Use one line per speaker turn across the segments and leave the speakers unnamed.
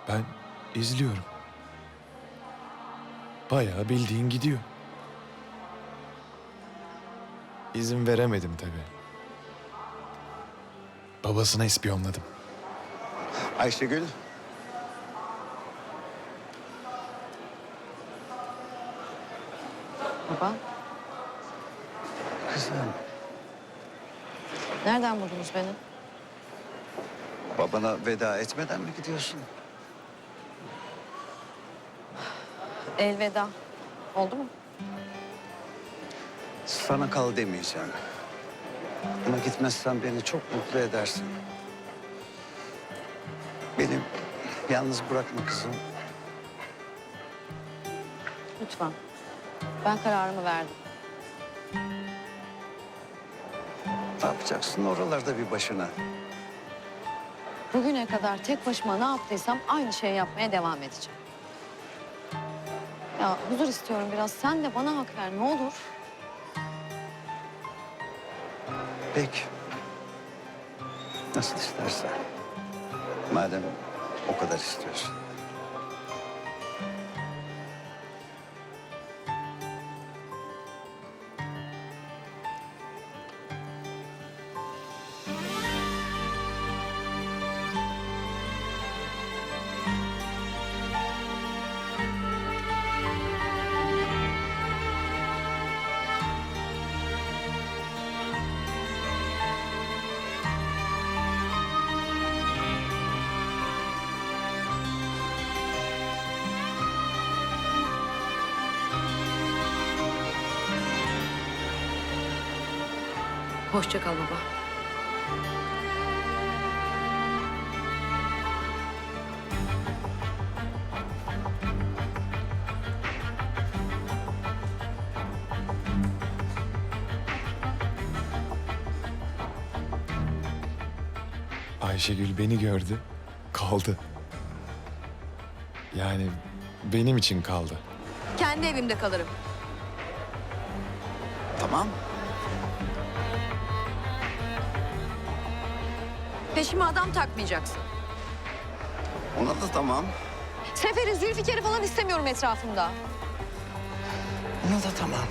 Ben izliyorum. Bayağı bildiğin gidiyor. İzin veremedim tabii. Babasına ispiyonladım.
Ayşegül.
Baba,
Kızım.
nereden buldunuz beni?
Babana veda etmeden mi gidiyorsun?
Elveda. Oldu mu?
Sana kal demeyeceğim. Ama gitmezsen beni çok mutlu edersin. Beni yalnız bırakma kızım.
Lütfen. Ben kararımı verdim.
Ne yapacaksın oralarda bir başına?
Bugüne kadar tek başıma ne yaptıysam aynı şeyi yapmaya devam edeceğim. Ya huzur istiyorum biraz. Sen de bana hak ver ne olur.
Peki. Nasıl istersen. Madem o kadar istiyorsun.
Hoşça kal baba.
Ayşegül beni gördü, kaldı. Yani benim için kaldı.
Kendi evimde kalırım.
Tamam.
Peşime adam takmayacaksın.
Ona da tamam.
Sefer'i, Zülfikar'ı falan istemiyorum etrafımda.
Ona da tamam.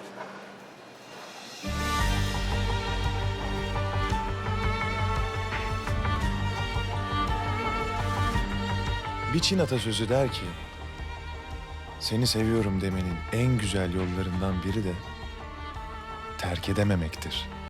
Bir Çin atasözü der ki, seni seviyorum demenin en güzel yollarından biri de terk edememektir.